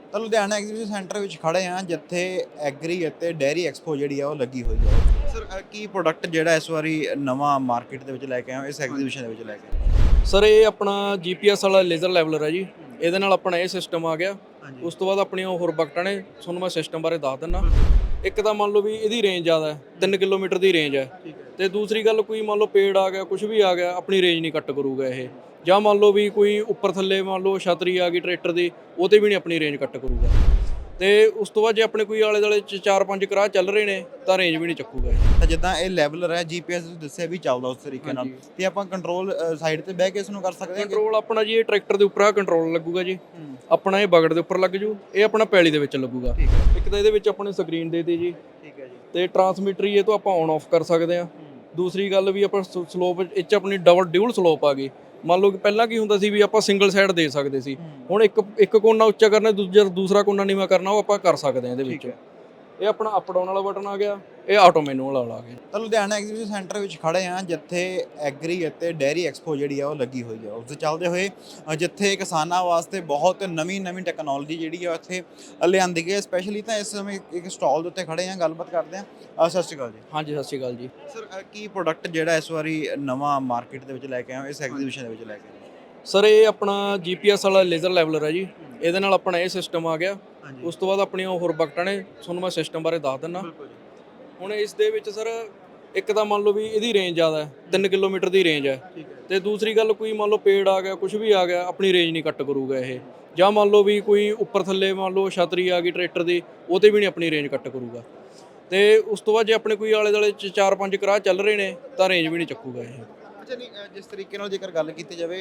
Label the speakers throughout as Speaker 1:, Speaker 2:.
Speaker 1: ਤਾਂ Ludhiana exhibition centre ਵਿੱਚ ਖੜੇ ਹਾਂ ਜਿੱਥੇ ਐਗਰੀ ਅਤੇ ਡੇਅਰੀ ਐਕਸਪੋ ਜਿਹੜੀ ਆ ਉਹ ਲੱਗੀ ਹੋਈ ਹੈ। ਸਰ ਕੀ ਪ੍ਰੋਡਕਟ ਜਿਹੜਾ ਇਸ ਵਾਰੀ ਨਵਾਂ ਮਾਰਕੀਟ ਦੇ ਵਿੱਚ ਲੈ ਕੇ ਆਏ ਹੋ ਇਸ ਐਗਜ਼ੀਬਿਸ਼ਨ ਦੇ ਵਿੱਚ ਲੈ ਕੇ ਆਏ ਹੋ?
Speaker 2: ਸਰ ਇਹ ਆਪਣਾ GPS ਵਾਲਾ ਲੇਜ਼ਰ ਲੈਵਲਰ ਹੈ ਜੀ। ਇਹਦੇ ਨਾਲ ਆਪਣਾ ਇਹ ਸਿਸਟਮ ਆ ਗਿਆ।
Speaker 1: ਹਾਂਜੀ।
Speaker 2: ਉਸ ਤੋਂ ਬਾਅਦ ਆਪਣੀਆਂ ਹੋਰ ਬਕਟਾਂ ਨੇ, ਤੁਹਾਨੂੰ ਮੈਂ ਸਿਸਟਮ ਬਾਰੇ ਦੱਸ ਦਿੰਦਾ। ਇੱਕ ਤਾਂ ਮੰਨ ਲਓ ਵੀ ਇਹਦੀ ਰੇਂਜ ਜ਼ਿਆਦਾ ਹੈ, 3 ਕਿਲੋਮੀਟਰ ਦੀ ਰੇਂਜ ਹੈ।
Speaker 1: ਠੀਕ ਹੈ।
Speaker 2: ਤੇ ਦੂਸਰੀ ਗੱਲ, ਕੋਈ ਮੰਨ ਲਓ ਪੇੜ ਆ ਗਿਆ, ਕੁਝ ਵੀ ਆ ਗਿਆ, ਆਪਣੀ ਰੇਂਜ ਨਹੀਂ ਕੱਟ ਕਰੂਗਾ ਇਹ। ਜਾਂ ਮੰਨ ਲਓ ਵੀ ਕੋਈ ਉੱਪਰ ਥੱਲੇ ਮੰਨ ਲਓ ਛਤਰੀ ਆ ਗਈ ਟਰੈਕਟਰ ਦੀ, ਉਹ ਤੇ ਵੀ ਨਹੀਂ ਆਪਣੀ ਰੇਂਜ ਕੱਟ ਕਰੂਗਾ। ਤੇ ਉਸ ਤੋਂ ਬਾਅਦ ਜੇ ਆਪਣੇ ਕੋਈ ਆਲੇ ਦੁਆਲੇ 'ਚ 4-5 ਕਰਾਹ ਚੱਲ ਰਹੇ ਨੇ ਤਾਂ ਰੇਂਜ ਵੀ ਨਹੀਂ ਚੱਕੂਗਾ ਇਹ।
Speaker 1: ਤਾਂ ਜਿੱਦਾਂ ਇਹ ਲੈਵਲਰ ਹੈ GPS ਤੁਸੀਂ ਦੱਸਿਆ ਵੀ ਚੱਲਦਾ ਉਸ ਤਰੀਕੇ ਨਾਲ, ਤੇ ਆਪਾਂ ਕੰਟਰੋਲ ਸਾਈਡ ਤੇ ਬਹਿ ਕੇ ਇਸ ਨੂੰ ਕਰ ਸਕਦੇ ਹਾਂ।
Speaker 2: ਕੰਟਰੋਲ ਆਪਣਾ ਜੀ ਇਹ ਟਰੈਕਟਰ ਦੇ ਉੱਪਰ ਆ ਕੰਟਰੋਲ ਲੱਗੂਗਾ ਜੀ। ਆਪਣਾ ਇਹ ਬਗੜ ਦੇ ਉੱਪਰ ਲੱਗ ਜੂ, ਇਹ ਆਪਣਾ ਪੈਲੀ ਦੇ ਵਿੱਚ ਲੱਗੂਗਾ। ਇੱਕ ਤਾਂ ਇਹਦੇ ਵਿੱਚ ਆਪਣੇ ਸਕਰੀਨ ਦੇ ਦਿੱਤੀ ਜੀ।
Speaker 1: ਠੀਕ ਹੈ ਜੀ।
Speaker 2: ਤੇ ਟਰਾਂਸਮਿਟਰ ਇਹ ਤੋਂ ਆਪਾਂ ਔਨ ਆਫ ਕਰ ਸਕਦੇ ਆ। ਦੂਸਰੀ ਗੱਲ ਵੀ ਆਪਾਂ ਸਲੋਪ ਇਹ 'ਚ ਆਪਣੀ ਡਿਊਲ ਸਲੋਪ ਆ ਗਈ। ਮੰਨ ਲਓ ਕਿ ਪਹਿਲਾਂ ਕੀ ਹੁੰਦਾ ਸੀ ਵੀ ਆਪਾਂ ਸਿੰਗਲ ਸਾਈਡ ਦੇ ਸਕਦੇ ਸੀ, ਹੁਣ ਇੱਕ ਕੋਨਾ ਉੱਚਾ ਕਰਨਾ, ਦੂਸਰਾ ਕੋਨਾ ਨੀਵਾਂ ਕਰਨਾ, ਉਹ ਆਪਾਂ ਕਰ ਸਕਦੇ ਆ ਇਹਦੇ ਵਿੱਚ। ਇਹ ਆਪਣਾ ਅਪ ਡਾਊਨ ਵਾਲਾ ਬਟਨ ਆ ਗਿਆ, ਇਹ ਆਟੋ ਮੈਨੂਅਲ ਵਾਲਾ ਆ ਗਿਆ।
Speaker 1: ਤਾਂ ਲੁਧਿਆਣਾ ਐਗਜ਼ੀਬਿਸ਼ਨ ਸੈਂਟਰ ਵਿੱਚ ਖੜੇ ਹਾਂ ਜਿੱਥੇ ਐਗਰੀ ਅਤੇ ਡੇਅਰੀ ਐਕਸਪੋ ਜਿਹੜੀ ਆ ਉਹ ਲੱਗੀ ਹੋਈ ਆ। ਉਸ ਦੇ ਚੱਲਦੇ ਹੋਏ ਜਿੱਥੇ ਕਿਸਾਨਾਂ ਵਾਸਤੇ ਬਹੁਤ ਨਵੀਂ ਟੈਕਨੋਲੋਜੀ ਜਿਹੜੀ ਆ ਇੱਥੇ ਲਿਆਂਦੀ ਗਈ ਹੈ। ਸਪੈਸ਼ਲੀ ਤਾਂ ਇਸ ਸਮੇਂ ਇੱਕ ਸਟਾਲ ਦੇ ਉੱਤੇ ਖੜੇ ਹਾਂ, ਗੱਲਬਾਤ ਕਰਦੇ ਹਾਂ। ਸਤਿ ਸ਼੍ਰੀ ਅਕਾਲ ਜੀ।
Speaker 2: ਹਾਂਜੀ, ਸਤਿ ਸ਼੍ਰੀ ਅਕਾਲ ਜੀ।
Speaker 1: ਸਰ ਕੀ ਪ੍ਰੋਡਕਟ ਜਿਹੜਾ ਇਸ ਵਾਰੀ ਨਵਾਂ ਮਾਰਕੀਟ ਦੇ ਵਿੱਚ ਲੈ ਕੇ ਆਏ ਹੋ ਇਸ ਐਗਜ਼ੀਬਿਸ਼ਨ ਦੇ ਵਿੱਚ ਲੈ ਕੇ ਆਏ ਹੋ?
Speaker 2: ਸਰ ਇਹ ਆਪਣਾ GPS ਵਾਲਾ ਲੇਜ਼ਰ ਲੈਵਲਰ ਹੈ ਜੀ। ਇਹਦੇ ਨਾਲ ਆਪਣਾ ਇਹ ਸਿਸਟਮ ਆ ਗਿਆ। ਉਸ ਤੋਂ ਬਾਅਦ ਆਪਣੀਆਂ ਹੋਰ ਬਕਟਾਂ ਨੇ, ਤੁਹਾਨੂੰ ਮੈਂ ਸਿਸਟਮ ਬਾਰੇ ਦੱਸ ਦਿੰਦਾ। ਹੁਣ ਇਸ ਦੇ ਵਿੱਚ ਸਰ ਇੱਕ ਤਾਂ ਮੰਨ ਲਓ ਵੀ ਇਹਦੀ ਰੇਂਜ ਜ਼ਿਆਦਾ ਹੈ, 3 ਕਿਲੋਮੀਟਰ ਦੀ ਰੇਂਜ ਹੈ। ਤੇ ਦੂਸਰੀ ਗੱਲ, ਕੋਈ ਮੰਨ ਲਓ ਪੇੜ ਆ ਗਿਆ, ਕੁਝ ਵੀ ਆ ਗਿਆ, ਆਪਣੀ ਰੇਂਜ ਨਹੀਂ ਕੱਟ ਕਰੂਗਾ ਇਹ। ਜਾਂ ਮੰਨ ਲਓ ਵੀ ਕੋਈ ਉੱਪਰ ਥੱਲੇ ਮੰਨ ਲਓ ਛਤਰੀ ਆ ਗਈ ਟਰੈਕਟਰ ਦੀ, ਉਹ ਤੇ ਵੀ ਨਹੀਂ ਆਪਣੀ ਰੇਂਜ ਕੱਟ ਕਰੂਗਾ। ਤੇ ਉਸ ਤੋਂ ਬਾਅਦ ਜੇ ਆਪਣੇ ਕੋਈ ਆਲੇ ਦੁਆਲੇ 'ਚ 4-5 ਕਰਾਹ ਚੱਲ ਰਹੇ ਨੇ ਤਾਂ ਰੇਂਜ ਵੀ ਨਹੀਂ ਚੱਕੂਗਾ ਇਹ।
Speaker 1: ਅੱਛਾ, ਨਹੀਂ ਜਿਸ ਤਰੀਕੇ ਨਾਲ ਜੇਕਰ ਗੱਲ ਕੀਤੀ ਜਾਵੇ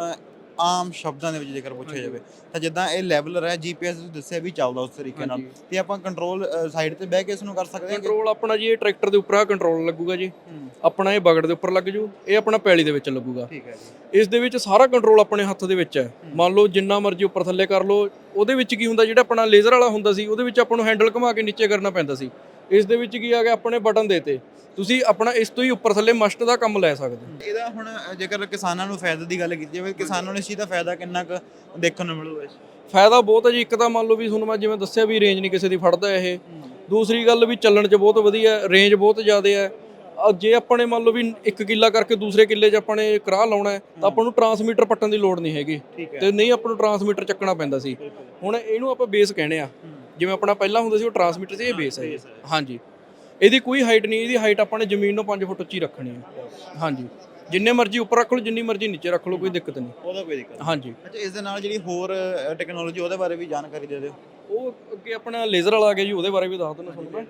Speaker 1: ਆਮ ਸ਼ਬਦਾਂ ਦੇ ਵਿੱਚ ਜੇਕਰ ਪੁੱਛਿਆ ਜਾਵੇ ਤਾਂ ਜਿੱਦਾਂ ਇਹ ਲੈਵਲਰ ਹੈ GPS ਤੁਸੀਂ ਦੱਸਿਆ ਵੀ ਚੱਲਦਾ ਉਸ ਤਰੀਕੇ ਨਾਲ, ਤੇ ਆਪਾਂ ਕੰਟਰੋਲ ਸਾਈਡ ਤੇ ਬਹਿ ਕੇ ਇਸ ਨੂੰ ਕਰ ਸਕਦੇ ਹਾਂ।
Speaker 2: ਕੰਟਰੋਲ ਆਪਣਾ ਜੀ ਇਹ ਟਰੈਕਟਰ ਦੇ ਉੱਪਰ ਆ ਕੰਟਰੋਲ ਲੱਗੂਗਾ ਜੀ। ਆਪਣਾ ਇਹ ਬਗੜ ਦੇ ਉੱਪਰ ਲੱਗ ਜੂ, ਇਹ ਆਪਣਾ ਪੈਲੀ ਦੇ ਵਿੱਚ ਲੱਗੂਗਾ।
Speaker 1: ਠੀਕ ਹੈ ਜੀ।
Speaker 2: ਇਸ ਦੇ ਵਿੱਚ ਸਾਰਾ ਕੰਟਰੋਲ ਆਪਣੇ ਹੱਥ ਦੇ ਵਿੱਚ ਹੈ। ਮੰਨ ਲਓ ਜਿੰਨਾ ਮਰਜ਼ੀ ਉੱਪਰ ਥੱਲੇ ਕਰ ਲਓ। ਉਹਦੇ ਵਿੱਚ ਕੀ ਹੁੰਦਾ, ਜਿਹੜਾ ਆਪਣਾ ਲੇਜ਼ਰ ਵਾਲਾ ਹੁੰਦਾ ਸੀ ਉਹਦੇ ਵਿੱਚ ਆਪਾਂ ਨੂੰ ਹੈਂਡਲ ਘੁਮਾ ਕੇ ਨੀਚੇ ਕਰਨਾ ਪੈਂਦਾ ਸੀ। ਇਸ ਦੇ ਵਿੱਚ ਕੀ ਆ ਗਿਆ, ਆਪਣੇ ਬਟਨ ਦੇਤੇ, ਤੁਸੀਂ ਆਪਣਾ ਇਸ ਤੋਂ ਹੀ ਉੱਪਰ ਥੱਲੇ ਮਸਟ ਦਾ ਕੰਮ ਲੈ ਸਕਦੇ।
Speaker 1: ਇਹਦਾ ਹੁਣ ਜੇਕਰ ਕਿਸਾਨਾਂ ਨੂੰ ਫਾਇਦੇ ਦੀ ਗੱਲ ਕੀਤੀ ਜਾਵੇ, ਕਿਸਾਨਾਂ ਨੂੰ ਇਸ ਚੀਜ਼ ਦਾ ਫਾਇਦਾ ਕਿੰਨਾ ਕੁ ਦੇਖਣ ਨੂੰ ਮਿਲੂਗਾ?
Speaker 2: ਫਾਇਦਾ ਬਹੁਤ ਹੈ ਜੀ। ਇੱਕ ਤਾਂ ਮੰਨ ਲਓ ਵੀ ਤੁਹਾਨੂੰ ਮੈਂ ਜਿਵੇਂ ਦੱਸਿਆ ਵੀ ਰੇਂਜ ਨਹੀਂ ਕਿਸੇ ਦੀ ਫੜਦਾ ਇਹ। ਦੂਸਰੀ ਗੱਲ ਵੀ ਚੱਲਣ 'ਚ ਬਹੁਤ ਵਧੀਆ, ਰੇਂਜ ਬਹੁਤ ਜ਼ਿਆਦਾ ਹੈ। ਜੇ ਆਪਾਂ ਨੇ ਮੰਨ ਲਓ ਵੀ 1 ਕਿੱਲਾ ਕਰਕੇ ਦੂਸਰੇ ਕਿੱਲੇ 'ਚ ਆਪਾਂ ਨੇ ਕਰਾਹ ਲਾਉਣਾ ਹੈ ਤਾਂ ਆਪਾਂ ਨੂੰ ਟਰਾਂਸਮੀਟਰ ਪੱਟਣ ਦੀ ਲੋੜ ਨਹੀਂ ਹੈਗੀ, ਤੇ ਨਹੀਂ ਆਪਾਂ ਨੂੰ ਟਰਾਂਸਮੀਟਰ ਚੱਕਣਾ ਪੈਂਦਾ ਸੀ। ਹੁਣ ਇਹਨੂੰ ਆਪਾਂ ਬੇਸ ਕਹਿੰਦੇ ਆ। ਜਿਵੇਂ ਆਪਣਾ ਪਹਿਲਾਂ ਹੁੰਦਾ ਸੀ ਉਹ ਟਰਾਂਸਮੀਟਰ ਸੀ, ਇਹ ਬੇਸ ਹੈ। ਹਾਂਜੀ, ਇਹਦੀ ਕੋਈ ਹਾਈਟ ਨਹੀਂ, ਇਹਦੀ ਹਾਈਟ ਆਪਾਂ ਨੇ ਜ਼ਮੀਨ ਨੂੰ 5 ਫੁੱਟ ਉੱਚੀ ਰੱਖਣੀ ਹੈ। ਹਾਂਜੀ, ਜਿੰਨੇ ਮਰਜ਼ੀ ਉੱਪਰ ਰੱਖ ਲਓ, ਜਿੰਨੀ ਮਰਜ਼ੀ ਨੀਚੇ ਰੱਖ ਲਓ, ਕੋਈ ਦਿੱਕਤ ਨਹੀਂ।
Speaker 1: ਉਹਦਾ ਕੋਈ ਦਿੱਕਤ ਨਹੀਂ।
Speaker 2: ਹਾਂਜੀ।
Speaker 1: ਅੱਛਾ, ਇਸ ਦੇ ਨਾਲ ਜਿਹੜੀ ਹੋਰ ਟੈਕਨੋਲੋਜੀ ਉਹਦੇ ਬਾਰੇ ਵੀ ਜਾਣਕਾਰੀ ਦੇ ਦਿਓ।
Speaker 2: ਉਹ ਅੱਗੇ ਆਪਣਾ ਲੇਜ਼ਰ ਵਾਲਾ ਆ ਗਿਆ ਜੀ, ਉਹਦੇ ਬਾਰੇ ਵੀ ਦੱਸ ਦਿੰਦਾ ਤੁਹਾਨੂੰ।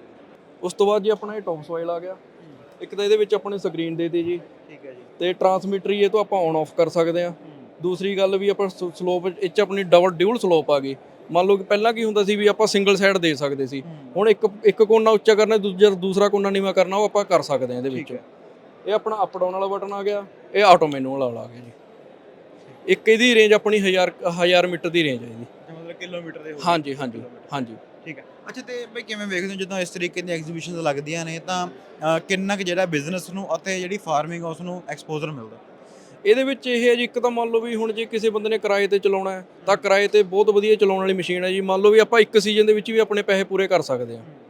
Speaker 2: ਉਸ ਤੋਂ ਬਾਅਦ ਜੀ ਆਪਣਾ ਇਹ ਟੌਪ ਸੋਇਲ ਆ ਗਿਆ। ਇੱਕ ਤਾਂ ਇਹਦੇ ਵਿੱਚ ਆਪਣੇ ਸਕਰੀਨ ਦੇ ਦਿੱਤੀ ਜੀ।
Speaker 1: ਠੀਕ ਹੈ ਜੀ।
Speaker 2: ਤੇ ਟਰਾਂਸਮਿਟਰ ਇਹ ਤੋਂ ਆਪਾਂ ਔਨ ਆਫ ਕਰ ਸਕਦੇ ਆ। ਦੂਸਰੀ ਗੱਲ ਵੀ ਆਪਾਂ ਸਲੋਪ ਇਹ 'ਚ ਆਪਣੀ ਡਿਊਲ ਸਲੋਪ ਆ ਗਈ। ਮੰਨ ਲਓ ਕਿ ਪਹਿਲਾਂ ਕੀ ਹੁੰਦਾ ਸੀ ਵੀ ਆਪਾਂ ਸਿੰਗਲ ਸਾਈਡ ਦੇ ਸਕਦੇ ਸੀ, ਹੁਣ ਇੱਕ ਕੋਨਾ ਉੱਚਾ ਕਰਨਾ, ਦੂਸਰਾ ਕੋਨਾ ਨੀਵਾਂ ਕਰਨਾ, ਉਹ ਆਪਾਂ ਕਰ ਸਕਦੇ ਆ ਇਹਦੇ ਵਿੱਚ। ਇਹ ਆਪਣਾ ਅਪ ਡਾਊਨ ਵਾਲਾ ਬਟਨ ਆ ਗਿਆ, ਇਹ ਆਟੋ ਮੈਨੂਅਲ ਵਾਲਾ ਆ ਗਿਆ ਜੀ। ਇੱਕ ਇਹਦੀ ਰੇਂਜ ਆਪਣੀ 1000 ਮੀਟਰ ਦੀ ਰੇਂਜ ਹੈ ਇਹਦੀ।
Speaker 1: ਮਤਲਬ ਕਿਲੋਮੀਟਰ ਦੇ।
Speaker 2: ਹਾਂਜੀ।
Speaker 1: ਠੀਕ ਹੈ। ਅੱਛਾ, ਤੇ ਬਈ ਕਿਵੇਂ ਵੇਖਦੇ ਹੋ ਜਦੋਂ ਇਸ ਤਰੀਕੇ ਦੀਆਂ ਐਗਜ਼ੀਬਿਸ਼ਨਸ ਲੱਗਦੀਆਂ ਨੇ ਤਾਂ ਕਿੰਨਾ ਕੁ ਜਿਹੜਾ ਬਿਜ਼ਨਸ ਨੂੰ ਅਤੇ ਜਿਹੜੀ ਫਾਰਮਿੰਗ ਉਸ ਨੂੰ ਐਕਸਪੋਜ਼ਰ ਮਿਲਦਾ?
Speaker 2: ਇਹਦੇ ਵਿੱਚ ਇਹ ਹੈ ਜੀ, ਇੱਕ ਤਾਂ ਮੰਨ ਲਓ ਵੀ ਹੁਣ ਜੇ ਕਿਸੇ ਬੰਦੇ ਨੇ ਕਿਰਾਏ ਤੇ ਚਲਾਉਣਾ ਹੈ ਤਾਂ ਕਿਰਾਏ ਤੇ ਬਹੁਤ ਵਧੀਆ ਚਲਾਉਣ ਵਾਲੀ ਮਸ਼ੀਨ ਹੈ ਜੀ। ਮੰਨ ਲਓ ਵੀ ਆਪਾਂ ਇੱਕ ਸੀਜ਼ਨ ਦੇ ਵਿੱਚ ਵੀ ਆਪਣੇ ਪੈਸੇ ਪੂਰੇ ਕਰ ਸਕਦੇ ਹਾਂ।